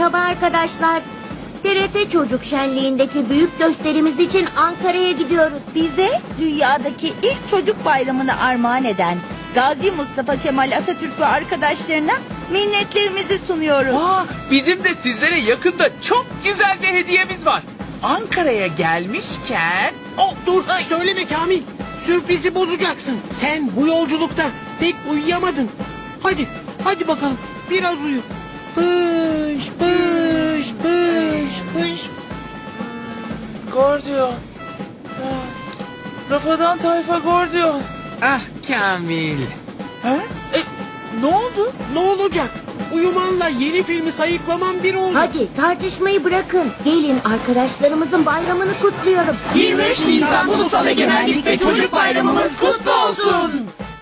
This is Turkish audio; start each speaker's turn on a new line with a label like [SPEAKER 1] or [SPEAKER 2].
[SPEAKER 1] Merhaba arkadaşlar. TRT Çocuk Şenliği'ndeki büyük gösterimiz için Ankara'ya gidiyoruz.
[SPEAKER 2] Bize dünyadaki ilk çocuk bayramını armağan eden Gazi Mustafa Kemal Atatürk ve arkadaşlarına minnetlerimizi sunuyoruz.
[SPEAKER 3] Bizim de sizlere yakında çok güzel bir hediyemiz var. Ankara'ya gelmişken...
[SPEAKER 4] Dur söyleme Kamil. Sürprizi bozacaksın. Sen bu yolculukta pek uyuyamadın. Hadi bakalım biraz uyu. Pış pış pış pış.
[SPEAKER 3] Gordiyon. Rafadan tayfa Gordiyon.
[SPEAKER 5] Ah Kamil.
[SPEAKER 3] Ha? Ne oldu?
[SPEAKER 4] Ne olacak? Uyumanla yeni filmi sayıklaman bir oldu.
[SPEAKER 1] Hadi tartışmayı bırakın. Gelin arkadaşlarımızın bayramını kutlayalım.
[SPEAKER 5] 23 Nisan Ulusal Egemenlik ve Çocuk Bayramımız kutlu olsun.